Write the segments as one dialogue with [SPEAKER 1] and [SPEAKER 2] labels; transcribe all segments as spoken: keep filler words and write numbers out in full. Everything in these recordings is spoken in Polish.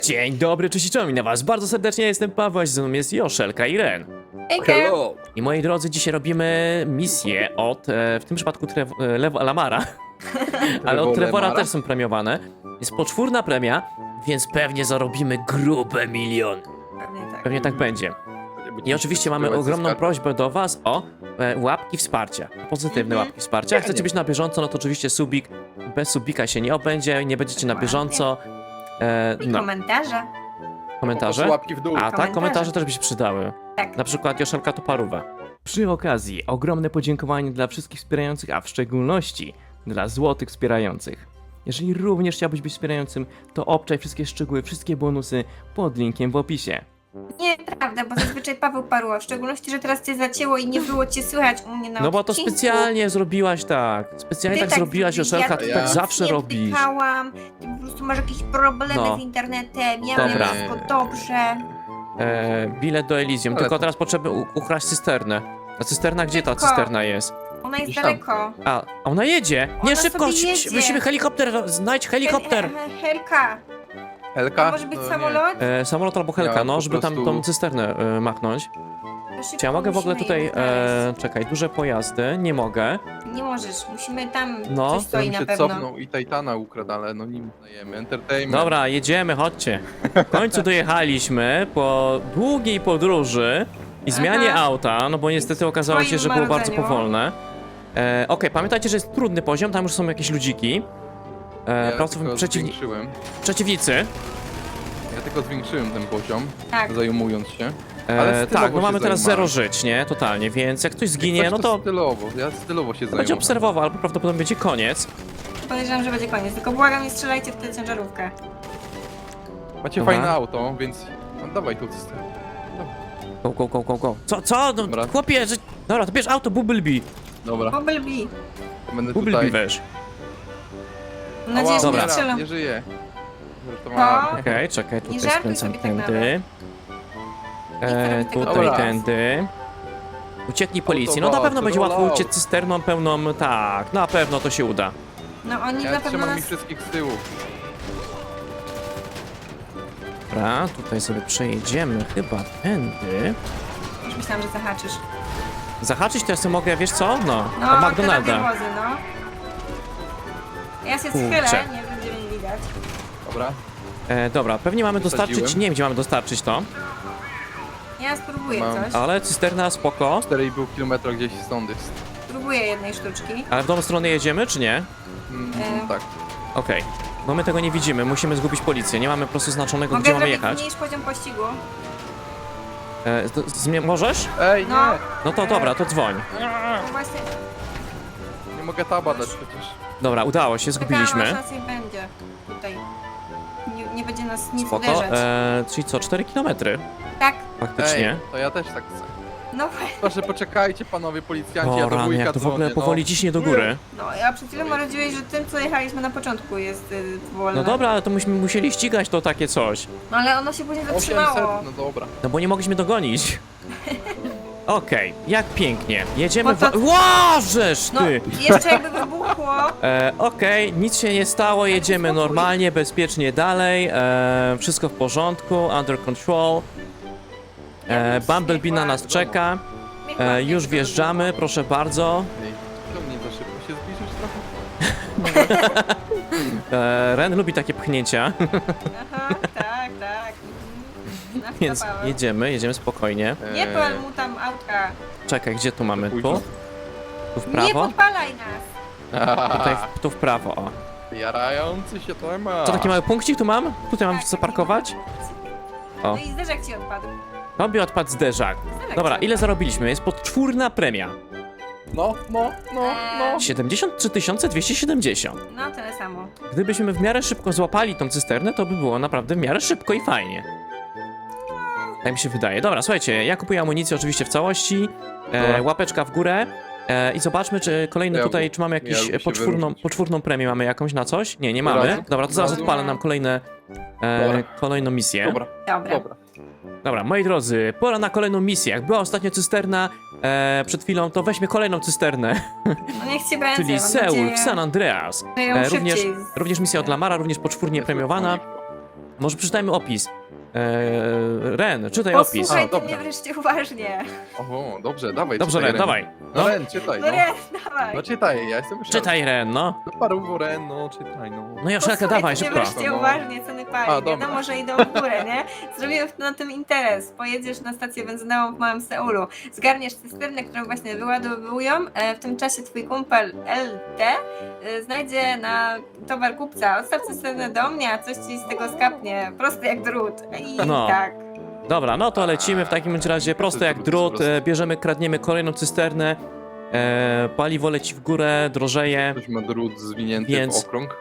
[SPEAKER 1] Dzień dobry, cześć i czołem na was. Bardzo serdecznie jestem Paweł, a ze mną jest Joszelka i Ren.
[SPEAKER 2] Hello.
[SPEAKER 1] I moi drodzy, dzisiaj robimy misję od, e, w tym przypadku Trev e, Lew Lamara, ale od Trevora
[SPEAKER 2] Lamara?
[SPEAKER 1] też są premiowane. Jest poczwórna premia, więc pewnie zarobimy grube miliony.
[SPEAKER 3] Pewnie tak.
[SPEAKER 1] Pewnie tak będzie. I oczywiście mamy ogromną prośbę do was o e, łapki wsparcia. Pozytywne
[SPEAKER 3] Mhm.
[SPEAKER 1] łapki wsparcia. Jak chcecie być na bieżąco, no to oczywiście subik. Bez subika się nie obędzie, nie będziecie na bieżąco. E,
[SPEAKER 3] I
[SPEAKER 1] no,
[SPEAKER 3] komentarze.
[SPEAKER 1] komentarze.
[SPEAKER 2] Łapki w dół.
[SPEAKER 1] A tak,
[SPEAKER 3] Komentarze.
[SPEAKER 1] komentarze też by się przydały.
[SPEAKER 3] Tak.
[SPEAKER 1] Na przykład Joszelka to parówa. Przy okazji ogromne podziękowanie dla wszystkich wspierających, a w szczególności dla złotych wspierających. Jeżeli również chciałbyś być wspierającym, to obczaj wszystkie szczegóły, wszystkie bonusy pod linkiem w opisie.
[SPEAKER 3] Nieprawda, bo zazwyczaj Paweł parło, w szczególności, że teraz cię zacięło i nie było cię słychać u mnie na
[SPEAKER 1] No bo to
[SPEAKER 3] odcinku.
[SPEAKER 1] specjalnie zrobiłaś tak. Specjalnie
[SPEAKER 3] Ty
[SPEAKER 1] tak, zrobiłaś,
[SPEAKER 3] zrobiłeś,
[SPEAKER 1] Joszelka,
[SPEAKER 3] ja
[SPEAKER 1] ty
[SPEAKER 2] to
[SPEAKER 1] tak
[SPEAKER 2] ja
[SPEAKER 1] zawsze
[SPEAKER 3] nie
[SPEAKER 1] robisz.
[SPEAKER 3] wtykałam, ty po prostu masz jakieś problemy
[SPEAKER 1] No.
[SPEAKER 3] z internetem, ja
[SPEAKER 1] Dobra.
[SPEAKER 3] mam wszystko dobrze.
[SPEAKER 1] E, bilet do Elysium,
[SPEAKER 2] Ale
[SPEAKER 1] tylko
[SPEAKER 2] to-
[SPEAKER 1] teraz potrzeby u- ukraść cysternę. A cysterna, gdzie ta
[SPEAKER 3] Szybko.
[SPEAKER 1] cysterna jest?
[SPEAKER 3] Ona jest
[SPEAKER 2] Gdzieś tam.
[SPEAKER 3] daleko.
[SPEAKER 1] A, a ona jedzie! Nie,
[SPEAKER 3] Ona
[SPEAKER 1] szybko!
[SPEAKER 3] sobie
[SPEAKER 1] ś- ś-
[SPEAKER 3] jedzie.
[SPEAKER 1] Musimy helikopter, znajdź helikopter!
[SPEAKER 3] Hel- he- Helka,
[SPEAKER 2] Helka?
[SPEAKER 3] to może być
[SPEAKER 2] No nie.
[SPEAKER 3] samolot?
[SPEAKER 1] E, samolot albo helka,
[SPEAKER 2] Ja
[SPEAKER 1] no,
[SPEAKER 2] po
[SPEAKER 1] żeby tam
[SPEAKER 2] prostu-
[SPEAKER 1] tą cysternę e, machnąć.
[SPEAKER 3] To szybko
[SPEAKER 1] Czy ja mogę w ogóle
[SPEAKER 3] musimy
[SPEAKER 1] tutaj,
[SPEAKER 3] ją
[SPEAKER 1] e,
[SPEAKER 3] znaleźć.
[SPEAKER 1] czekaj, duże pojazdy? Nie mogę.
[SPEAKER 3] Nie możesz, musimy tam,
[SPEAKER 1] No.
[SPEAKER 3] coś
[SPEAKER 2] To
[SPEAKER 3] stoi
[SPEAKER 2] bym
[SPEAKER 3] na
[SPEAKER 2] się
[SPEAKER 3] pewno.
[SPEAKER 2] cofnął i Titana ukradł, ale no nim dajemy. Entertainment.
[SPEAKER 1] Dobra, jedziemy, chodźcie. W końcu dojechaliśmy po długiej podróży i zmianie
[SPEAKER 3] Aha.
[SPEAKER 1] auta, no bo niestety okazało się,
[SPEAKER 3] Twoim
[SPEAKER 1] że było bardzo
[SPEAKER 3] marudzeniu.
[SPEAKER 1] powolne. E, Okej, pamiętajcie, że jest trudny poziom, tam już są jakieś ludziki. E,
[SPEAKER 2] Ja
[SPEAKER 1] pracow-
[SPEAKER 2] tylko
[SPEAKER 1] przeciwni-
[SPEAKER 2] zwiększyłem.
[SPEAKER 1] przeciwnicy.
[SPEAKER 2] Ja tylko zwiększyłem ten poziom,
[SPEAKER 3] Tak.
[SPEAKER 2] zajmując się. Ale
[SPEAKER 1] E,
[SPEAKER 2] stylowo
[SPEAKER 1] tak, bo
[SPEAKER 2] się
[SPEAKER 1] mamy teraz
[SPEAKER 2] zajmowałem.
[SPEAKER 1] zero żyć, nie? Totalnie, więc jak ktoś zginie,
[SPEAKER 2] Coś
[SPEAKER 1] no to
[SPEAKER 2] stylowo, ja stylowo się
[SPEAKER 1] będzie
[SPEAKER 2] zajmuję.
[SPEAKER 1] obserwował, albo prawdopodobnie będzie koniec.
[SPEAKER 3] Podejrzewam, że będzie koniec, tylko błagam, nie strzelajcie w tę ciężarówkę.
[SPEAKER 2] Macie
[SPEAKER 1] Dobra.
[SPEAKER 2] fajne auto, więc no, dawaj tu cysternę.
[SPEAKER 1] Go, go, go, go, go. Co, co? No,
[SPEAKER 2] Dobra.
[SPEAKER 1] chłopie, że... Dobra, to bierz auto, Bumblebee.
[SPEAKER 2] Dobra,
[SPEAKER 3] Bumblebee.
[SPEAKER 2] to będę
[SPEAKER 1] Bumblebee
[SPEAKER 2] tutaj.
[SPEAKER 1] weź.
[SPEAKER 3] Mam nadzieję, że
[SPEAKER 1] Dobra.
[SPEAKER 3] nie strzelą.
[SPEAKER 2] Nie żyje. Żartowałem.
[SPEAKER 3] No.
[SPEAKER 1] Okej, czekaj, tutaj
[SPEAKER 3] żartuj
[SPEAKER 1] skręcam
[SPEAKER 3] sobie tak
[SPEAKER 1] tędy. E,
[SPEAKER 3] robić tego
[SPEAKER 1] tutaj
[SPEAKER 2] dobra.
[SPEAKER 1] tędy. Ucieknij policji. No na
[SPEAKER 2] Autobus,
[SPEAKER 1] pewno będzie łatwo
[SPEAKER 2] rollout.
[SPEAKER 1] uciec cysterną pełną. Tak, na pewno to się uda.
[SPEAKER 3] No oni
[SPEAKER 2] Ja
[SPEAKER 3] na pewno
[SPEAKER 2] trzymam
[SPEAKER 3] nas...
[SPEAKER 2] ich wszystkich z tyłu.
[SPEAKER 1] Dobra, tutaj sobie przejedziemy chyba tędy.
[SPEAKER 3] Już myślałam, że zahaczysz.
[SPEAKER 1] Zahaczyć to ja sobie mogę, wiesz co? No,
[SPEAKER 3] No,
[SPEAKER 1] o McDonalda.
[SPEAKER 3] te radiowozy, no. Ja się
[SPEAKER 1] Kurczę.
[SPEAKER 3] schylę, nie będzie mnie widać.
[SPEAKER 2] Dobra.
[SPEAKER 1] E, dobra, pewnie mamy dostarczyć,
[SPEAKER 2] Wysadziłem.
[SPEAKER 1] nie wiem gdzie mamy dostarczyć to,
[SPEAKER 3] Ja spróbuję
[SPEAKER 2] Mam.
[SPEAKER 3] coś.
[SPEAKER 1] ale cysterna spoko.
[SPEAKER 2] cztery i pół kilometra gdzieś stąd jest.
[SPEAKER 3] Spróbuję jednej sztuczki.
[SPEAKER 1] Ale w tą stronę jedziemy, czy nie?
[SPEAKER 2] Mm,
[SPEAKER 3] E.
[SPEAKER 2] tak.
[SPEAKER 1] Okej. Bo my tego nie widzimy, musimy zgubić policję, nie mamy po prostu znaczonego,
[SPEAKER 3] Mogę
[SPEAKER 1] gdzie mamy
[SPEAKER 3] zrobić
[SPEAKER 1] jechać.
[SPEAKER 3] mniejszy poziom pościgu.
[SPEAKER 1] E, z- zmie- możesz?
[SPEAKER 2] Ej, nie!
[SPEAKER 3] No.
[SPEAKER 1] No to dobra, to dzwoń.
[SPEAKER 3] No właśnie,
[SPEAKER 2] Nie mogę taba dać przecież.
[SPEAKER 1] Dobra, udało się,
[SPEAKER 3] czekałam, aż
[SPEAKER 1] zgubiliśmy.
[SPEAKER 3] nas nie będzie tutaj. Nie, nie będzie nas nic
[SPEAKER 1] Spoko,
[SPEAKER 3] uderzać.
[SPEAKER 1] e, czyli co, cztery kilometry?
[SPEAKER 3] Tak,
[SPEAKER 1] Faktycznie.
[SPEAKER 2] Ej, to ja też tak chcę.
[SPEAKER 3] no,
[SPEAKER 2] Proszę poczekajcie panowie policjanci, ja
[SPEAKER 1] O
[SPEAKER 2] do
[SPEAKER 1] rany,
[SPEAKER 2] wujka
[SPEAKER 1] jak to w ogóle
[SPEAKER 2] dzwonię,
[SPEAKER 1] powoli ciśnie do góry.
[SPEAKER 3] no ja przed chwilą marudziłeś, że tym co jechaliśmy na początku jest y, wolne.
[SPEAKER 1] No dobra, ale to myśmy musieli ścigać to takie coś.
[SPEAKER 3] No ale ono się później
[SPEAKER 2] No.
[SPEAKER 3] zatrzymało.
[SPEAKER 2] osiemset, no dobra.
[SPEAKER 1] No bo nie mogliśmy dogonić. Okej, jak pięknie. Jedziemy
[SPEAKER 3] Bo to-
[SPEAKER 1] w... Łożesz
[SPEAKER 3] No,
[SPEAKER 1] ty!
[SPEAKER 3] jeszcze jakby wybuchło.
[SPEAKER 1] E, Okej, nic się nie stało, jedziemy
[SPEAKER 3] spokój.
[SPEAKER 1] normalnie, bezpiecznie dalej. E, wszystko w porządku, under control. E, Bumblebee na nas czeka.
[SPEAKER 3] Niech
[SPEAKER 1] E,
[SPEAKER 3] ładnie
[SPEAKER 1] już
[SPEAKER 3] to
[SPEAKER 1] wjeżdżamy, proszę bardzo.
[SPEAKER 2] Ej, to mnie za szybko się zbliżysz trochę?
[SPEAKER 1] E, Ren lubi takie pchnięcia,
[SPEAKER 3] Aha, tak, tak. Mhm.
[SPEAKER 1] więc
[SPEAKER 3] Nakapałem.
[SPEAKER 1] jedziemy, jedziemy spokojnie.
[SPEAKER 3] Nie
[SPEAKER 2] Eee,
[SPEAKER 3] pal mu tam autka.
[SPEAKER 1] Czekaj, gdzie tu mamy?
[SPEAKER 2] Pójdź.
[SPEAKER 1] Tu? Tu w
[SPEAKER 3] Nie
[SPEAKER 1] prawo?
[SPEAKER 3] podpalaj nas.
[SPEAKER 1] Tutaj, w, tu w prawo, o.
[SPEAKER 2] Jarający się temat.
[SPEAKER 1] Co, taki mały punkcik tu mam? Tutaj mam
[SPEAKER 3] Tak,
[SPEAKER 1] zaparkować? O.
[SPEAKER 3] No i zderzak ci odpadł.
[SPEAKER 1] Tobie odpadł zderzak.
[SPEAKER 3] Zderzak
[SPEAKER 1] Dobra,
[SPEAKER 3] ci
[SPEAKER 1] ile
[SPEAKER 3] odpadł.
[SPEAKER 1] zarobiliśmy? Jest podczwórna premia.
[SPEAKER 2] No, no, no, no.
[SPEAKER 1] siedemdziesiąt trzy tysiące dwieście siedemdziesiąt.
[SPEAKER 3] No tyle samo.
[SPEAKER 1] Gdybyśmy w miarę szybko złapali tą cysternę, to by było naprawdę w miarę szybko i fajnie. Tak mi się wydaje. Dobra, słuchajcie, ja kupuję amunicję oczywiście w całości. E,
[SPEAKER 2] Dobra.
[SPEAKER 1] łapeczka w górę. E, I zobaczmy, czy kolejny
[SPEAKER 2] Ja
[SPEAKER 1] tutaj,
[SPEAKER 2] lubię-
[SPEAKER 1] czy mamy
[SPEAKER 2] ja
[SPEAKER 1] jakąś
[SPEAKER 2] lubię się
[SPEAKER 1] poczwórną,
[SPEAKER 2] wyróżnić.
[SPEAKER 1] poczwórną premię, mamy jakąś na coś? Nie, nie
[SPEAKER 2] Od
[SPEAKER 1] mamy.
[SPEAKER 2] razu?
[SPEAKER 1] Dobra, to zaraz
[SPEAKER 2] Od razu?
[SPEAKER 1] odpalę nam kolejne, e,
[SPEAKER 2] Dobra.
[SPEAKER 1] kolejną misję.
[SPEAKER 2] Dobra,
[SPEAKER 3] Dobra.
[SPEAKER 2] dobra.
[SPEAKER 1] Dobra, moi drodzy, pora na kolejną misję. Jak była ostatnio cysterna e, przed chwilą, to weźmy kolejną cysternę,
[SPEAKER 3] No niech ci będzie.
[SPEAKER 1] czyli
[SPEAKER 3] mam
[SPEAKER 1] Seul
[SPEAKER 3] nadzieję,
[SPEAKER 1] w San Andreas.
[SPEAKER 3] że ją
[SPEAKER 1] E,
[SPEAKER 3] szybciej
[SPEAKER 1] również,
[SPEAKER 3] z-
[SPEAKER 1] również misja od Lamara, również poczwórnie premiowana. Może przeczytajmy opis. Eee, Ren, czytaj opis.
[SPEAKER 3] Posłuchaj
[SPEAKER 2] A,
[SPEAKER 3] ty mnie
[SPEAKER 2] dobra.
[SPEAKER 3] wreszcie uważnie.
[SPEAKER 2] Oho, dobrze, dawaj.
[SPEAKER 1] Dobrze,
[SPEAKER 2] czytaj,
[SPEAKER 1] Ren, dawaj.
[SPEAKER 2] No
[SPEAKER 1] No,
[SPEAKER 2] Ren, czytaj,
[SPEAKER 3] No
[SPEAKER 2] no.
[SPEAKER 3] nie, dawaj.
[SPEAKER 2] No czytaj, ja jestem szalony.
[SPEAKER 1] czytaj, Ren, no.
[SPEAKER 2] No paruwo, Ren, no czytaj, no.
[SPEAKER 1] No Joszelka,
[SPEAKER 3] Posłuchaj
[SPEAKER 1] dawaj,
[SPEAKER 3] ty mnie
[SPEAKER 1] szybko.
[SPEAKER 3] wreszcie
[SPEAKER 2] No.
[SPEAKER 3] uważnie, co my
[SPEAKER 2] A,
[SPEAKER 3] pali.
[SPEAKER 2] dobra.
[SPEAKER 3] Wiadomo, że idą w górę, nie? Zrobimy na tym interes. Pojedziesz na stację benzynową w Małym Seulu. Zgarniesz cysternę, którą właśnie wyładowują. E, W tym czasie twój kumpel L T e, znajdzie na towar kupca. Odstaw cysternę do mnie, a coś ci z tego skapnie. Prosty jak drut. I
[SPEAKER 1] No.
[SPEAKER 3] tak.
[SPEAKER 1] Dobra, no to lecimy w takim bądź razie prosto jak drut, e, bierzemy, kradniemy kolejną cysternę, e, paliwo leci w górę, drożeje,
[SPEAKER 2] Ktoś ma drut zwinięty
[SPEAKER 1] Więc-
[SPEAKER 2] w okrąg.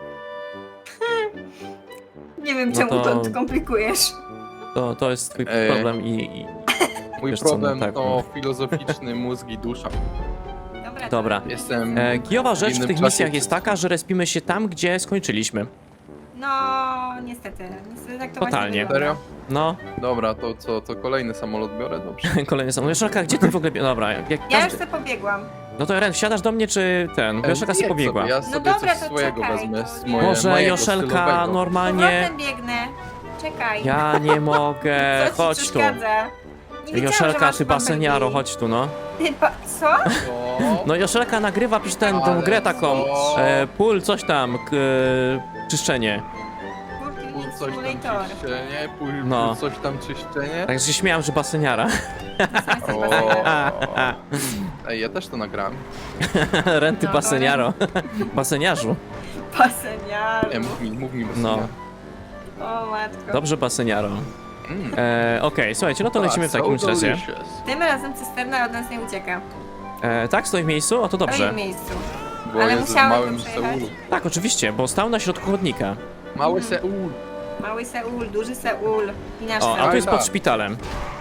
[SPEAKER 3] Nie wiem,
[SPEAKER 1] No
[SPEAKER 3] czemu
[SPEAKER 1] to-
[SPEAKER 3] to komplikujesz.
[SPEAKER 1] to, to jest twój
[SPEAKER 2] Ej.
[SPEAKER 1] problem i, i...
[SPEAKER 2] Mój
[SPEAKER 1] Wiesz co, no
[SPEAKER 2] problem
[SPEAKER 1] tak,
[SPEAKER 2] to
[SPEAKER 1] no.
[SPEAKER 2] filozoficzny mózg i dusza.
[SPEAKER 3] Dobra.
[SPEAKER 1] Dobra.
[SPEAKER 2] Jestem...
[SPEAKER 1] E, kijowa rzecz w
[SPEAKER 2] innym
[SPEAKER 1] tych
[SPEAKER 2] czasie
[SPEAKER 1] misjach jest
[SPEAKER 2] wszyscy.
[SPEAKER 1] taka, że respimy się tam, gdzie skończyliśmy.
[SPEAKER 3] No, niestety. Niestety tak to
[SPEAKER 1] Totalnie.
[SPEAKER 3] właśnie wygląda.
[SPEAKER 2] Serio?
[SPEAKER 1] No,
[SPEAKER 2] Dobra, to co, to kolejny samolot biorę? Dobrze.
[SPEAKER 1] kolejny sam. Joszelka, gdzie ty w ogóle... bie- Dobra, jak
[SPEAKER 3] Ja
[SPEAKER 1] każdy...
[SPEAKER 3] już sobie pobiegłam.
[SPEAKER 1] No to Ren, wsiadasz do mnie, czy ten? Bo Joszelka sobie
[SPEAKER 2] Jedź
[SPEAKER 1] pobiegła.
[SPEAKER 2] Sobie, ja
[SPEAKER 3] No
[SPEAKER 2] sobie
[SPEAKER 3] dobra,
[SPEAKER 2] coś
[SPEAKER 3] to
[SPEAKER 2] swojego
[SPEAKER 3] czekaj,
[SPEAKER 2] wezmę,
[SPEAKER 3] to
[SPEAKER 2] z
[SPEAKER 3] nie-
[SPEAKER 2] moje,
[SPEAKER 1] Może
[SPEAKER 2] mojego
[SPEAKER 1] Joszelka
[SPEAKER 2] stylowego.
[SPEAKER 1] normalnie...
[SPEAKER 3] Powrotem biegnę. Czekaj.
[SPEAKER 1] Ja nie mogę,
[SPEAKER 3] Co ci
[SPEAKER 1] chodź tu.
[SPEAKER 3] przeszkadza? Nie wiedziałam, że
[SPEAKER 1] Joszelka,
[SPEAKER 3] masz
[SPEAKER 1] ty baseniaro, chodź tu, no.
[SPEAKER 3] Ty ba... Co?
[SPEAKER 2] Co?
[SPEAKER 1] No Joszelka nagrywa, pisz ten, tą
[SPEAKER 2] Ale
[SPEAKER 1] grę taką,
[SPEAKER 2] co?
[SPEAKER 1] e, pól, coś tam, k, e, czyszczenie.
[SPEAKER 2] Pól
[SPEAKER 3] Walking
[SPEAKER 2] coś tam
[SPEAKER 3] Simulator.
[SPEAKER 2] czyszczenie, pól,
[SPEAKER 1] No.
[SPEAKER 2] pól coś tam czyszczenie.
[SPEAKER 1] Tak się śmiałam, że baseniara.
[SPEAKER 3] Jesteś
[SPEAKER 2] O.
[SPEAKER 3] baseniarem.
[SPEAKER 2] Ej, ja też to nagrałem.
[SPEAKER 1] Renty
[SPEAKER 3] No,
[SPEAKER 1] baseniaro. Baseniarzu.
[SPEAKER 3] Baseniaru.
[SPEAKER 2] Nie, mów mi, mów mi. bez
[SPEAKER 1] No.
[SPEAKER 2] słowa.
[SPEAKER 3] O matko.
[SPEAKER 1] Dobrze, baseniaro.
[SPEAKER 2] Mm.
[SPEAKER 1] E, Okej, słuchajcie, no to lecimy w
[SPEAKER 2] So
[SPEAKER 1] takim razie.
[SPEAKER 2] delicious.
[SPEAKER 3] Tym razem cysterna od nas nie ucieka.
[SPEAKER 1] E, tak, stoi w miejscu? O, to
[SPEAKER 3] W
[SPEAKER 1] dobrze.
[SPEAKER 3] swoim miejscu.
[SPEAKER 2] Bo
[SPEAKER 3] Ale
[SPEAKER 2] jest w
[SPEAKER 3] musiałem
[SPEAKER 2] małym
[SPEAKER 3] to przejechać.
[SPEAKER 2] Seulu.
[SPEAKER 1] Tak, oczywiście, bo stał na środku chodnika.
[SPEAKER 2] Mały Seul.
[SPEAKER 3] Mały Seul, duży Seul i nasz
[SPEAKER 1] O, a
[SPEAKER 3] Seul.
[SPEAKER 1] tu jest
[SPEAKER 2] tak.
[SPEAKER 1] pod szpitalem.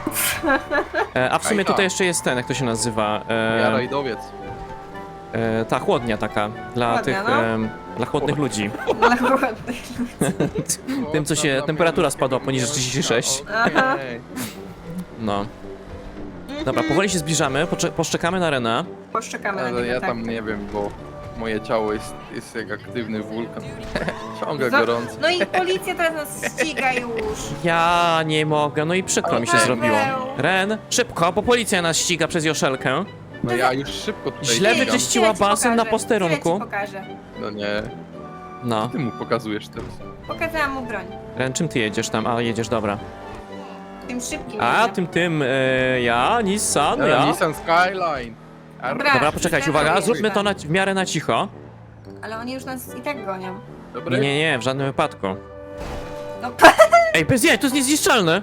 [SPEAKER 1] E, a w sumie
[SPEAKER 2] Ajka.
[SPEAKER 1] tutaj jeszcze jest ten, jak to się nazywa?
[SPEAKER 2] Ja
[SPEAKER 1] E,
[SPEAKER 2] rajdowiec.
[SPEAKER 1] e, ta chłodnia taka, dla
[SPEAKER 3] Chłodnia,
[SPEAKER 1] tych,
[SPEAKER 3] no.
[SPEAKER 1] em, dla chłodnych ludzi.
[SPEAKER 3] Dla chłodnych.
[SPEAKER 1] Tym, co się- temperatura spadła poniżej trzydzieści sześć.
[SPEAKER 3] Aha.
[SPEAKER 2] Okej.
[SPEAKER 1] No. Dobra, powoli się zbliżamy, pocze- poszczekamy na Rena.
[SPEAKER 3] Poszczekamy na
[SPEAKER 2] Ale
[SPEAKER 3] niego,
[SPEAKER 2] ja
[SPEAKER 3] tak.
[SPEAKER 2] tam nie wiem, bo moje ciało jest, jest jak aktywny wulkan. Ciągle
[SPEAKER 3] Za-
[SPEAKER 2] gorąco.
[SPEAKER 3] No i policja teraz nas ściga już.
[SPEAKER 1] Ja nie mogę, no i przykro mi się
[SPEAKER 3] Paweł.
[SPEAKER 1] zrobiło. Ren, szybko, bo policja nas ściga przez Joszelkę.
[SPEAKER 2] No ja już szybko tutaj
[SPEAKER 1] Źle
[SPEAKER 2] biegam.
[SPEAKER 1] wyczyściła
[SPEAKER 3] Tyle ci
[SPEAKER 1] basen na
[SPEAKER 3] pokażę,
[SPEAKER 1] posterunku.
[SPEAKER 3] tyle ci pokażę.
[SPEAKER 2] No nie,
[SPEAKER 1] No.
[SPEAKER 2] ty mu pokazujesz teraz.
[SPEAKER 3] Pokazałam mu broń.
[SPEAKER 1] Ren, czym ty jedziesz tam? A, jedziesz, dobra.
[SPEAKER 3] Tym szybkim.
[SPEAKER 1] A,
[SPEAKER 3] jedzie.
[SPEAKER 1] tym, tym, e, ja, Nissan,
[SPEAKER 2] Ja.
[SPEAKER 1] ja.
[SPEAKER 2] Nissan Skyline. Ar-
[SPEAKER 3] Dobra.
[SPEAKER 1] Dobra, poczekajcie, uwaga,
[SPEAKER 3] Dobra.
[SPEAKER 1] zróbmy to na, w miarę na cicho.
[SPEAKER 3] Ale oni już nas i tak gonią.
[SPEAKER 2] Dobry?
[SPEAKER 1] Nie, nie, nie, w żadnym wypadku.
[SPEAKER 3] No,
[SPEAKER 1] Ej, bez jaj, to jest niezniszczalne!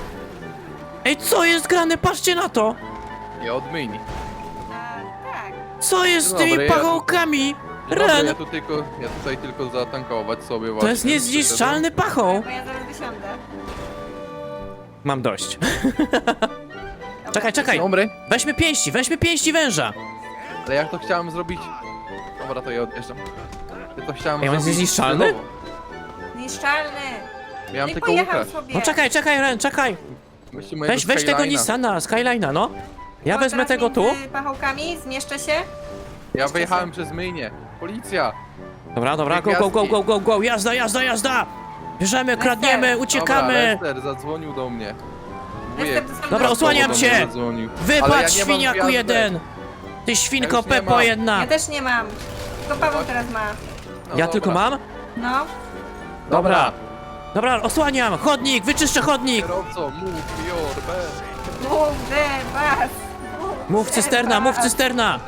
[SPEAKER 1] Ej, co jest grane? Patrzcie na to!
[SPEAKER 2] Ja odmyjni.
[SPEAKER 3] a, tak.
[SPEAKER 1] Co jest z
[SPEAKER 2] Dobra,
[SPEAKER 1] tymi
[SPEAKER 2] ja-
[SPEAKER 1] pachołkami?
[SPEAKER 2] Dobra,
[SPEAKER 1] Ren,
[SPEAKER 2] ja tu tylko, ja tutaj tylko zatankować sobie
[SPEAKER 1] to
[SPEAKER 2] właśnie.
[SPEAKER 1] jest niezniszczalny pachoł!
[SPEAKER 3] Bo ja zaraz wysiądę.
[SPEAKER 1] Mam dość.
[SPEAKER 3] Dobra.
[SPEAKER 1] Czekaj, czekaj,
[SPEAKER 2] Dobry,
[SPEAKER 1] weźmy pięści, weźmy pięści węża!
[SPEAKER 2] ale jak to chciałem zrobić? Dobra, to ja odjeżdżam. Ja to chciałem
[SPEAKER 1] Ej, on jest
[SPEAKER 2] zrobić
[SPEAKER 1] niezniszczalny?
[SPEAKER 2] celowo.
[SPEAKER 3] Niszczalny.
[SPEAKER 2] Miałem
[SPEAKER 3] No i
[SPEAKER 2] tylko
[SPEAKER 3] pojechał
[SPEAKER 2] ukraść.
[SPEAKER 3] sobie.
[SPEAKER 1] No czekaj, czekaj, Ren, czekaj!
[SPEAKER 2] Weźcie mojego
[SPEAKER 1] Weź, weź tego
[SPEAKER 2] Skyline'a.
[SPEAKER 1] Nissana, Skyline'a, no. Ja
[SPEAKER 3] O,
[SPEAKER 1] wezmę
[SPEAKER 3] teraz
[SPEAKER 1] tego tu.
[SPEAKER 3] między pachołkami, zmieszczę się.
[SPEAKER 2] Ja
[SPEAKER 3] Jeszcze
[SPEAKER 2] wyjechałem przez myjnię. Policja!
[SPEAKER 1] Dobra, dobra, go, go, go, go, go, go, jazda, jazda, jazda! Bierzemy, kradniemy,
[SPEAKER 3] Lester.
[SPEAKER 1] uciekamy!
[SPEAKER 2] Dobra, Lester zadzwonił do mnie.
[SPEAKER 3] Lester,
[SPEAKER 2] Wujek
[SPEAKER 3] to sam
[SPEAKER 1] Dobra,
[SPEAKER 3] do-
[SPEAKER 1] osłaniam
[SPEAKER 2] do
[SPEAKER 1] cię.
[SPEAKER 2] mnie zadzwonił. Ale ja
[SPEAKER 1] Wypadł,
[SPEAKER 2] nie mam
[SPEAKER 1] świniaku
[SPEAKER 2] gwiazdek.
[SPEAKER 1] jeden! Ty świnko
[SPEAKER 2] Ja już nie
[SPEAKER 1] Pepo
[SPEAKER 2] mam.
[SPEAKER 1] jedna!
[SPEAKER 3] Ja też nie mam. Tylko Paweł teraz ma.
[SPEAKER 2] No
[SPEAKER 1] Ja
[SPEAKER 2] dobra.
[SPEAKER 1] tylko mam?
[SPEAKER 3] No.
[SPEAKER 1] Dobra. Dobra, osłaniam! Chodnik, wyczyszczę chodnik!
[SPEAKER 2] Kierowco, move your best.
[SPEAKER 3] Move the bus.
[SPEAKER 1] Mów
[SPEAKER 3] the
[SPEAKER 1] cysterna, mów
[SPEAKER 3] bus.
[SPEAKER 1] cysterna!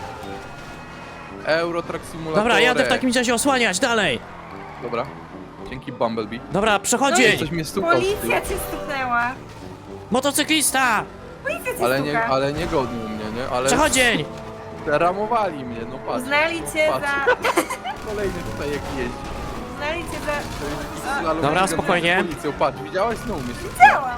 [SPEAKER 2] Eurotrack Simulator.
[SPEAKER 1] Dobra, jadę w takim razie osłaniać, dalej!
[SPEAKER 2] Dobra. Dzięki Bumblebee.
[SPEAKER 1] Dobra, przechodzień!
[SPEAKER 2] Coś mnie stukał z tyłu.
[SPEAKER 3] Policja cię stuknęła.
[SPEAKER 1] Motocyklista!
[SPEAKER 3] Policja cię
[SPEAKER 2] Ale nie,
[SPEAKER 3] stuka.
[SPEAKER 2] ale nie godnił mnie, nie? Ale
[SPEAKER 1] Przechodzień!
[SPEAKER 2] ramowali mnie, no patrz.
[SPEAKER 3] Uznali cię
[SPEAKER 2] Patrz.
[SPEAKER 3] za...
[SPEAKER 2] Kolejny tutaj jak jeździ.
[SPEAKER 3] Uznali cię za...
[SPEAKER 2] To jest
[SPEAKER 3] A.
[SPEAKER 2] slalom
[SPEAKER 1] Dobra,
[SPEAKER 2] z
[SPEAKER 1] spokojnie.
[SPEAKER 2] Policją, patrz, widziałeś? No mnie
[SPEAKER 3] Chciałam.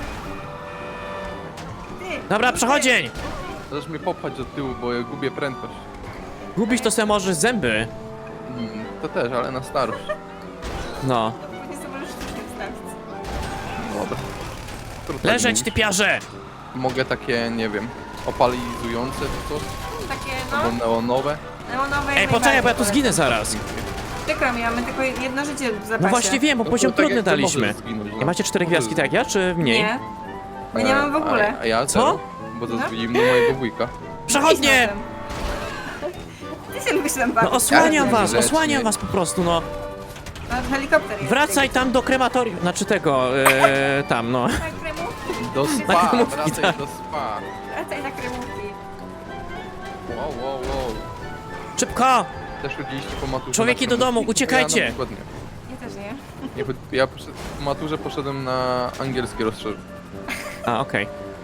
[SPEAKER 3] Ty.
[SPEAKER 1] Dobra, przechodzień!
[SPEAKER 2] Możesz mnie popchać do tyłu, bo ja gubię prędkość.
[SPEAKER 1] Gubisz to se możesz zęby.
[SPEAKER 2] Mm, to też, ale na starość.
[SPEAKER 1] No.
[SPEAKER 3] Później sobie możesz sztukę wstawić.
[SPEAKER 2] Dobra. Trudno
[SPEAKER 1] Leżeć,
[SPEAKER 2] mi.
[SPEAKER 1] typiarze!
[SPEAKER 2] Mogę takie, nie wiem, opalizujące czy coś?
[SPEAKER 3] Takie,
[SPEAKER 2] Albo
[SPEAKER 3] no,
[SPEAKER 2] neonowe.
[SPEAKER 3] neonowe.
[SPEAKER 1] Ej,
[SPEAKER 3] jak
[SPEAKER 1] poczekaj, bo ja tu
[SPEAKER 3] najbardziej
[SPEAKER 1] zginę zaraz.
[SPEAKER 3] Przykro mi, mamy tylko jedno życie w zapasie.
[SPEAKER 1] No właśnie wiem, bo
[SPEAKER 2] No to
[SPEAKER 1] poziom
[SPEAKER 2] tak
[SPEAKER 1] trudny
[SPEAKER 2] jak ty
[SPEAKER 1] daliśmy.
[SPEAKER 2] możesz zginąć, no.
[SPEAKER 1] I macie cztery
[SPEAKER 2] Możesz
[SPEAKER 1] gwiazdki tak jak ja, czy mniej?
[SPEAKER 3] Nie. Bo nie
[SPEAKER 2] A-
[SPEAKER 3] mam w ogóle.
[SPEAKER 2] A, a ja
[SPEAKER 1] Co?
[SPEAKER 2] zero, bo zadzwoniłem do mojego wujka.
[SPEAKER 1] Przechodnie!
[SPEAKER 3] Ty się lubisz tam
[SPEAKER 1] No
[SPEAKER 3] bawić.
[SPEAKER 1] osłaniam
[SPEAKER 2] Ja
[SPEAKER 1] was,
[SPEAKER 2] grzecznie.
[SPEAKER 1] osłaniam was po prostu, no.
[SPEAKER 3] No, helikopter jest.
[SPEAKER 1] Wracaj tam do krematorium, znaczy tego, e, tam, no.
[SPEAKER 3] Na kremówki.
[SPEAKER 2] Do
[SPEAKER 1] Na
[SPEAKER 2] spa,
[SPEAKER 1] kremówki,
[SPEAKER 2] wracaj
[SPEAKER 1] tak.
[SPEAKER 2] do spa.
[SPEAKER 3] Wracaj na kremówki.
[SPEAKER 2] Wow, wow, wow.
[SPEAKER 1] Szybko!
[SPEAKER 2] Też chodziliście po maturze.
[SPEAKER 1] Człowieki
[SPEAKER 2] na
[SPEAKER 1] do domu,
[SPEAKER 2] kremówki?
[SPEAKER 1] uciekajcie.
[SPEAKER 2] Ja na przykład nie.
[SPEAKER 3] Ja też nie.
[SPEAKER 2] Nie, chod- ja poszedł, po maturze poszedłem na angielskie rozszerzenie.
[SPEAKER 1] A, okej.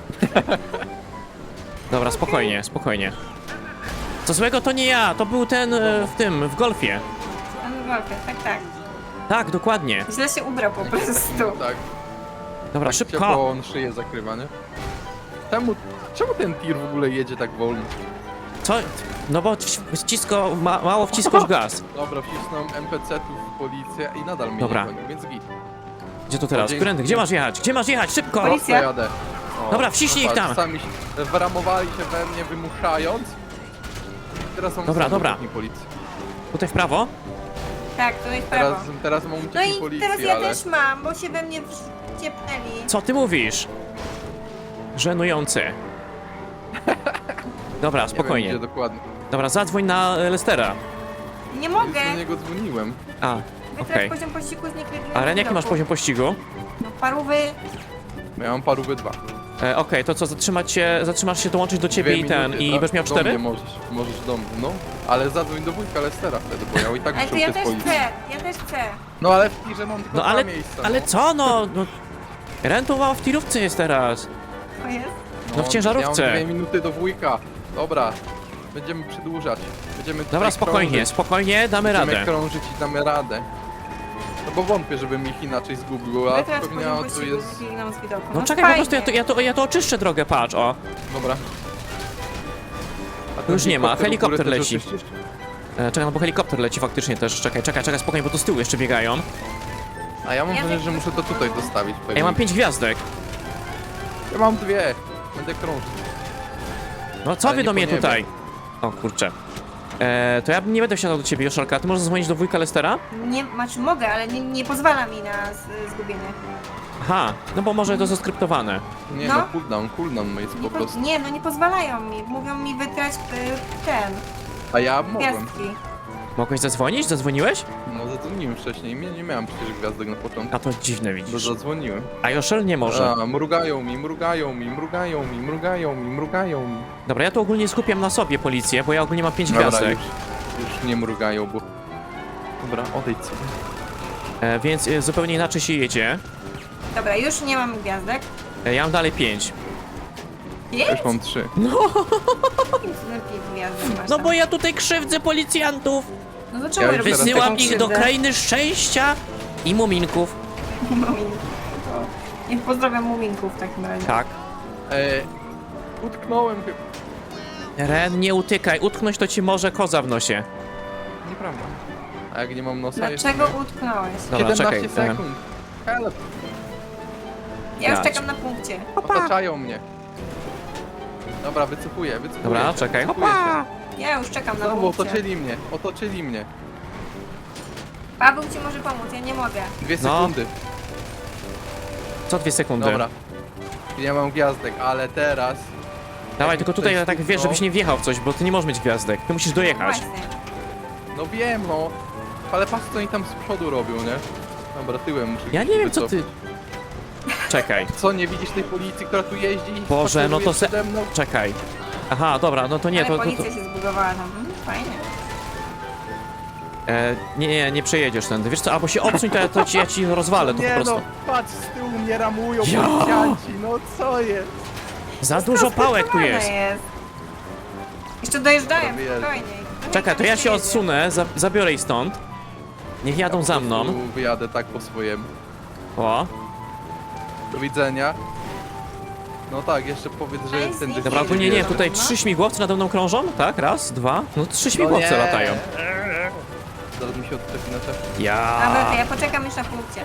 [SPEAKER 1] Dobra, spokojnie, spokojnie. Co złego to nie ja, to był ten e, w tym, w golfie.
[SPEAKER 3] Pan Wolfie, tak, tak.
[SPEAKER 1] Tak, dokładnie.
[SPEAKER 3] Źle się ubrał po prostu.
[SPEAKER 2] Tak,
[SPEAKER 1] Dobra,
[SPEAKER 2] tak
[SPEAKER 1] szybko.
[SPEAKER 2] ciepło on szyję zakrywa, nie? Czemu, czemu ten tir w ogóle jedzie tak wolno?
[SPEAKER 1] Co? No bo wci- wcisko, ma, mało wciskasz gaz.
[SPEAKER 2] Dobra, wcisnąłem N P C-ów w policję i nadal mnie
[SPEAKER 1] Dobra.
[SPEAKER 2] nie goni, więc git.
[SPEAKER 1] Gdzie to teraz?
[SPEAKER 2] dzięki.
[SPEAKER 1] Którędy? Gdzie masz jechać? Gdzie masz jechać? Szybko!
[SPEAKER 3] Policja.
[SPEAKER 2] Prosto jadę. O,
[SPEAKER 1] Dobra, wciśnij ich
[SPEAKER 2] patrz,
[SPEAKER 1] tam.
[SPEAKER 2] Sami się wramowali się we mnie, wymuszając. Teraz mam
[SPEAKER 1] Dobra,
[SPEAKER 2] sam
[SPEAKER 1] dobra.
[SPEAKER 2] uciekni policji.
[SPEAKER 1] Tutaj w prawo?
[SPEAKER 3] Tak, to jest prawo.
[SPEAKER 2] Teraz, teraz mam
[SPEAKER 3] No
[SPEAKER 2] uciekni
[SPEAKER 3] i
[SPEAKER 2] policji,
[SPEAKER 3] teraz ja
[SPEAKER 2] ale...
[SPEAKER 3] też mam, bo się we mnie wciepnęli.
[SPEAKER 1] Co ty mówisz? Żenujące. Dobra,
[SPEAKER 2] Nie wiem,
[SPEAKER 1] spokojnie.
[SPEAKER 2] gdzie dokładnie.
[SPEAKER 1] Dobra, zadzwoń na e, Lestera.
[SPEAKER 3] Nie
[SPEAKER 2] Już
[SPEAKER 3] mogę.
[SPEAKER 2] do niego dzwoniłem.
[SPEAKER 1] A,
[SPEAKER 3] Wytrać
[SPEAKER 1] okej.
[SPEAKER 3] poziom pościgu z niekrywionym
[SPEAKER 1] A Ren, jaki masz poziom pościgu?
[SPEAKER 3] No parówy.
[SPEAKER 2] Ja mam parówy dwa.
[SPEAKER 1] E, Okej, to co, zatrzymać się, zatrzymasz się, dołączyć do ciebie
[SPEAKER 2] Dwie
[SPEAKER 1] i ten,
[SPEAKER 2] minuty,
[SPEAKER 1] i
[SPEAKER 2] tak?
[SPEAKER 1] będziesz miał
[SPEAKER 2] Do mnie
[SPEAKER 1] cztery?
[SPEAKER 2] możesz, możesz do mnie, no. Ale zadzwoń do wujka Lestera wtedy, bo ja i tak
[SPEAKER 3] Ale
[SPEAKER 2] muszę
[SPEAKER 3] to ja
[SPEAKER 2] uciec z
[SPEAKER 3] też
[SPEAKER 2] policji.
[SPEAKER 3] chcę, ja też chcę.
[SPEAKER 2] No ale w tirze mam tylko
[SPEAKER 1] No
[SPEAKER 2] dwa
[SPEAKER 1] ale,
[SPEAKER 2] miejsca,
[SPEAKER 1] ale
[SPEAKER 2] no.
[SPEAKER 1] co no? no Ren to ma w tirówce jest teraz.
[SPEAKER 3] To jest?
[SPEAKER 1] no w ciężarówce.
[SPEAKER 2] Ja mam dwie minuty do wujka. Dobra, będziemy przedłużać. Będziemy
[SPEAKER 1] Dobra,
[SPEAKER 2] tutaj
[SPEAKER 1] spokojnie,
[SPEAKER 2] krążyć.
[SPEAKER 1] spokojnie, damy
[SPEAKER 2] Będziemy
[SPEAKER 1] radę.
[SPEAKER 2] krążyć i damy radę. No bo wątpię, żebym ich inaczej zgubił, a
[SPEAKER 3] Wytrać
[SPEAKER 2] pewnie
[SPEAKER 3] poziom
[SPEAKER 2] tu
[SPEAKER 3] pościgu
[SPEAKER 2] jest...
[SPEAKER 3] z niekrywionym z widoku.
[SPEAKER 1] No czekaj, po prostu ja to,
[SPEAKER 3] fajnie.
[SPEAKER 1] ja, to, ja to oczyszczę drogę, patrz, o.
[SPEAKER 2] Dobra. A
[SPEAKER 1] Tu
[SPEAKER 2] ten
[SPEAKER 1] już nie ma,
[SPEAKER 2] w ogóle
[SPEAKER 1] helikopter
[SPEAKER 2] też
[SPEAKER 1] leci.
[SPEAKER 2] oczyścisz?
[SPEAKER 1] E, czekaj, no bo helikopter leci faktycznie też. Czekaj, czekaj, czekaj, spokojnie, bo tu z tyłu jeszcze biegają.
[SPEAKER 2] A ja mam
[SPEAKER 3] Ja
[SPEAKER 2] wrażenie,
[SPEAKER 3] tak-
[SPEAKER 2] że muszę to tutaj dostawić.
[SPEAKER 1] A ja mam pięć gwiazdek.
[SPEAKER 2] Ja mam dwie. Będę krążyć.
[SPEAKER 1] No co
[SPEAKER 2] Ale
[SPEAKER 1] wy
[SPEAKER 2] nie
[SPEAKER 1] do
[SPEAKER 2] po
[SPEAKER 1] mnie
[SPEAKER 2] niebie.
[SPEAKER 1] tutaj? O kurczę. E, to ja nie będę wsiadał do ciebie, Joszelka. Ty możesz zadzwonić do wujka Lestera?
[SPEAKER 3] Nie, znaczy mogę, ale nie, nie pozwala mi na z, zgubienie.
[SPEAKER 1] Aha, no bo może to zaskryptowane.
[SPEAKER 2] Nie
[SPEAKER 3] No.
[SPEAKER 2] no, cooldown, cooldown jest
[SPEAKER 3] Nie,
[SPEAKER 2] po
[SPEAKER 3] po,
[SPEAKER 2] prostu.
[SPEAKER 3] nie, no nie pozwalają mi. Mówią mi wytrać y, ten,
[SPEAKER 2] A ja mogłem.
[SPEAKER 3] gwiazdki.
[SPEAKER 1] Mogłeś zadzwonić? Zadzwoniłeś?
[SPEAKER 2] No zadzwoniłem wcześniej, nie, nie miałem przecież gwiazdek na początku.
[SPEAKER 1] A to dziwne
[SPEAKER 2] To
[SPEAKER 1] widzisz.
[SPEAKER 2] zadzwoniłem.
[SPEAKER 1] A Joszel nie może.
[SPEAKER 2] A, mrugają mi, mrugają mi, mrugają mi, mrugają mi, mrugają mi.
[SPEAKER 1] Dobra, ja to ogólnie skupiam na sobie policję, bo ja ogólnie mam pięć
[SPEAKER 2] Dobra,
[SPEAKER 1] gwiazdek.
[SPEAKER 2] już, już nie mrugają, bo... Dobra, odejdź sobie.
[SPEAKER 1] E, więc e, zupełnie inaczej się jedzie.
[SPEAKER 3] Dobra, już nie mam gwiazdek.
[SPEAKER 1] E, ja mam dalej pięć.
[SPEAKER 2] Ja
[SPEAKER 3] Jest?
[SPEAKER 2] już mam trzy.
[SPEAKER 3] Lepiej gwiazdek masz
[SPEAKER 1] No
[SPEAKER 3] tam.
[SPEAKER 1] bo ja tutaj krzywdzę policjantów.
[SPEAKER 3] No to czemu
[SPEAKER 2] Ja już
[SPEAKER 3] robisz
[SPEAKER 2] teraz
[SPEAKER 1] Wysyłam
[SPEAKER 3] taką
[SPEAKER 1] ich do
[SPEAKER 3] krzywdę?
[SPEAKER 1] krainy szczęścia i muminków.
[SPEAKER 3] Muminków. To niech pozdrawiam muminków w takim razie.
[SPEAKER 1] Tak.
[SPEAKER 2] E, utknąłem chyba.
[SPEAKER 1] Ren, nie utykaj. Utknąć to ci może koza w nosie.
[SPEAKER 2] Nieprawda. A jak nie mam nosa jeszcze
[SPEAKER 3] Dlaczego utknąłeś?
[SPEAKER 1] Dobra, czekaj.
[SPEAKER 2] siedemnaście
[SPEAKER 1] e,
[SPEAKER 2] sekund. Help.
[SPEAKER 3] Ja już
[SPEAKER 1] Ja
[SPEAKER 3] czekam na punkcie.
[SPEAKER 2] Otaczają mnie. Dobra, wycofuję, wycofuję
[SPEAKER 1] Dobra,
[SPEAKER 2] się,
[SPEAKER 1] czekaj.
[SPEAKER 2] wycofuję się.
[SPEAKER 3] Ja już czekam na
[SPEAKER 2] Znowu
[SPEAKER 3] punkcie.
[SPEAKER 2] otoczyli mnie, otoczyli mnie.
[SPEAKER 3] Paweł ci może pomóc, ja nie mogę.
[SPEAKER 2] Dwie
[SPEAKER 1] No.
[SPEAKER 2] sekundy.
[SPEAKER 1] Co dwie sekundy?
[SPEAKER 2] Dobra. Nie mam gwiazdek, ale teraz...
[SPEAKER 1] Dawaj, tylko tutaj
[SPEAKER 2] Ktoś
[SPEAKER 1] tak wiesz,
[SPEAKER 2] stuknął.
[SPEAKER 1] żebyś nie wjechał w coś, bo ty nie możesz mieć gwiazdek. Ty musisz dojechać.
[SPEAKER 3] Właśnie.
[SPEAKER 2] No wiem, no. Ale patrz co oni tam z przodu robią, nie? Dobra, tyłem muszę
[SPEAKER 1] Ja nie wiem, co ty...
[SPEAKER 2] wycofać.
[SPEAKER 1] Czekaj,
[SPEAKER 2] Co, nie widzisz tej policji, która tu jeździ i
[SPEAKER 1] Boże, no to se-
[SPEAKER 2] przede mną?
[SPEAKER 1] czekaj. Aha, dobra, no to nie,
[SPEAKER 3] Ale
[SPEAKER 1] to... to, to
[SPEAKER 3] policja się zbudowała tam. Mm, fajnie.
[SPEAKER 1] e, nie, nie, nie przejedziesz tędy. Wiesz co, albo się odsuń, to ja, to ci, ja ci rozwalę to
[SPEAKER 2] nie
[SPEAKER 1] po prostu.
[SPEAKER 2] no, patrz, z tyłu mnie ramują
[SPEAKER 1] Ja.
[SPEAKER 2] policjanci, no co jest?
[SPEAKER 1] Za dużo pałek tu
[SPEAKER 3] Rozpracowane
[SPEAKER 1] jest.
[SPEAKER 3] jest. Jeszcze dojeżdżają,
[SPEAKER 2] Dobra, wyjeżdżam.
[SPEAKER 3] spokojniej. No
[SPEAKER 1] Czekaj,
[SPEAKER 3] i
[SPEAKER 1] to ja
[SPEAKER 3] tam
[SPEAKER 1] się
[SPEAKER 3] jedzie.
[SPEAKER 1] odsunę, za, zabiorę ich stąd. Niech jadą za mną.
[SPEAKER 2] Tu wyjadę tak po swojemu.
[SPEAKER 1] O,
[SPEAKER 2] Do widzenia. No tak, jeszcze powiedz, że
[SPEAKER 3] Nice,
[SPEAKER 2] tędy...
[SPEAKER 3] nice.
[SPEAKER 1] dobra, ogólnie nie,
[SPEAKER 3] Dobra.
[SPEAKER 1] tutaj trzy śmigłowce nade mną krążą, tak? Raz, dwa, no trzy
[SPEAKER 2] No
[SPEAKER 1] śmigłowce
[SPEAKER 2] nie.
[SPEAKER 1] latają.
[SPEAKER 2] Zaraz mi się odczepi na czas.
[SPEAKER 3] Dobra, to
[SPEAKER 1] Ja.
[SPEAKER 3] ja poczekam już na punkcie.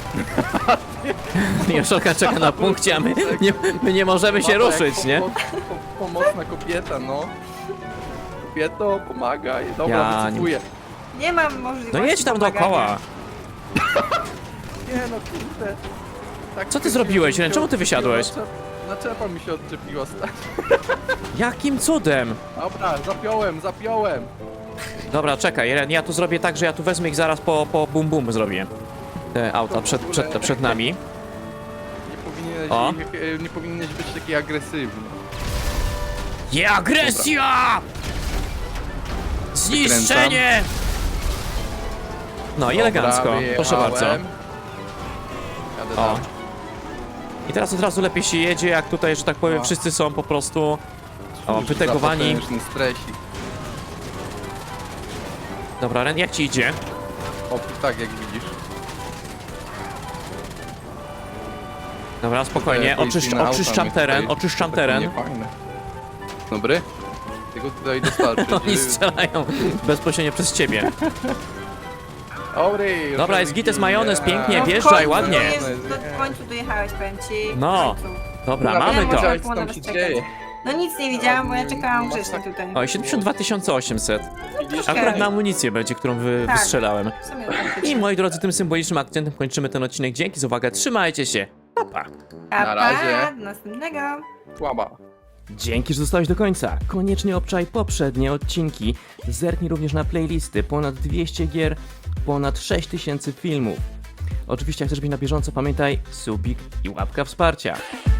[SPEAKER 1] Joszelka czeka na punkcie, a my nie, my nie możemy się
[SPEAKER 2] Mama, jak
[SPEAKER 1] ruszyć, nie?
[SPEAKER 2] pomo- po- Pomocna kobieta, no. Kobieto, pomagaj. Dobra,
[SPEAKER 1] Ja nie-
[SPEAKER 2] wycofuję.
[SPEAKER 3] Nie mam możliwości
[SPEAKER 1] No jedź tam
[SPEAKER 3] pomagania.
[SPEAKER 1] dookoła.
[SPEAKER 2] Nie no kurde. Tak
[SPEAKER 1] Co ty
[SPEAKER 2] się-
[SPEAKER 1] zrobiłeś,
[SPEAKER 2] się-
[SPEAKER 1] Ren? Czemu ty wysiadłeś?
[SPEAKER 2] Naczep- Naczepa mi się odczepiła, stary.
[SPEAKER 1] Jakim cudem?
[SPEAKER 2] Dobra, zapiąłem, zapiąłem.
[SPEAKER 1] Dobra, czekaj, Ren, ja tu zrobię tak, że ja tu wezmę ich zaraz po, po bum bum zrobię. Te auta przed, przed, przed nami.
[SPEAKER 2] Nie powinieneś,
[SPEAKER 1] O.
[SPEAKER 2] ich- nie powinieneś być taki agresywny.
[SPEAKER 1] Je agresja! Zniszczenie! No i elegancko,
[SPEAKER 2] Dobra,
[SPEAKER 1] proszę bardzo.
[SPEAKER 2] wyjechałem. Jadę
[SPEAKER 1] O.
[SPEAKER 2] dalej.
[SPEAKER 1] I teraz od razu lepiej się jedzie, jak tutaj, że tak powiem,
[SPEAKER 2] O.
[SPEAKER 1] wszyscy są po prostu o,
[SPEAKER 2] Cóż za
[SPEAKER 1] wytegowani.
[SPEAKER 2] potężny stresik.
[SPEAKER 1] Dobra, Ren, jak ci idzie?
[SPEAKER 2] O, tak jak widzisz.
[SPEAKER 1] Dobra, spokojnie,
[SPEAKER 2] Tutaj
[SPEAKER 1] oczyszcz,
[SPEAKER 2] policyjne auta
[SPEAKER 1] oczyszczam
[SPEAKER 2] mnie
[SPEAKER 1] teren,
[SPEAKER 2] tutaj-
[SPEAKER 1] oczyszczam
[SPEAKER 2] takie
[SPEAKER 1] teren.
[SPEAKER 2] niefajne. Dobry? Tego tutaj dostarczyć.
[SPEAKER 1] Oni strzelają bezpośrednio przez ciebie.
[SPEAKER 2] Dobry,
[SPEAKER 1] Dobra, jest gites majonez, pięknie,
[SPEAKER 3] No w
[SPEAKER 1] wjeżdżaj,
[SPEAKER 3] końcu
[SPEAKER 1] ładnie.
[SPEAKER 3] dojeżdż- do- W końcu dojechałeś, powiem ci. w
[SPEAKER 1] No.
[SPEAKER 3] końcu.
[SPEAKER 1] Dobra,
[SPEAKER 2] Dobra,
[SPEAKER 1] mamy
[SPEAKER 3] nie
[SPEAKER 1] to.
[SPEAKER 3] możemy.
[SPEAKER 2] Co tam się
[SPEAKER 3] czekać.
[SPEAKER 2] dzieje?
[SPEAKER 3] No nic nie widziałam, bo ja czekałam grzecznie tutaj.
[SPEAKER 1] Oj, siedemdziesiąt dwa tysiące osiemset.
[SPEAKER 3] Troszkę.
[SPEAKER 1] Akurat na amunicję będzie, którą wy,
[SPEAKER 3] Tak.
[SPEAKER 1] wystrzelałem.
[SPEAKER 3] W sumie faktycznie.
[SPEAKER 1] I moi drodzy, tym symbolicznym akcentem kończymy ten odcinek. Dzięki za uwagę, trzymajcie się. Pa, pa.
[SPEAKER 3] Pa,
[SPEAKER 2] Na razie.
[SPEAKER 3] pa, do następnego.
[SPEAKER 2] Słaba.
[SPEAKER 1] Dzięki, że zostałeś do końca. Koniecznie obczaj poprzednie odcinki. Zerknij również na playlisty. Ponad dwieście gier, ponad sześć tysięcy filmów. Oczywiście, jak chcesz być na bieżąco, pamiętaj subik i łapka wsparcia.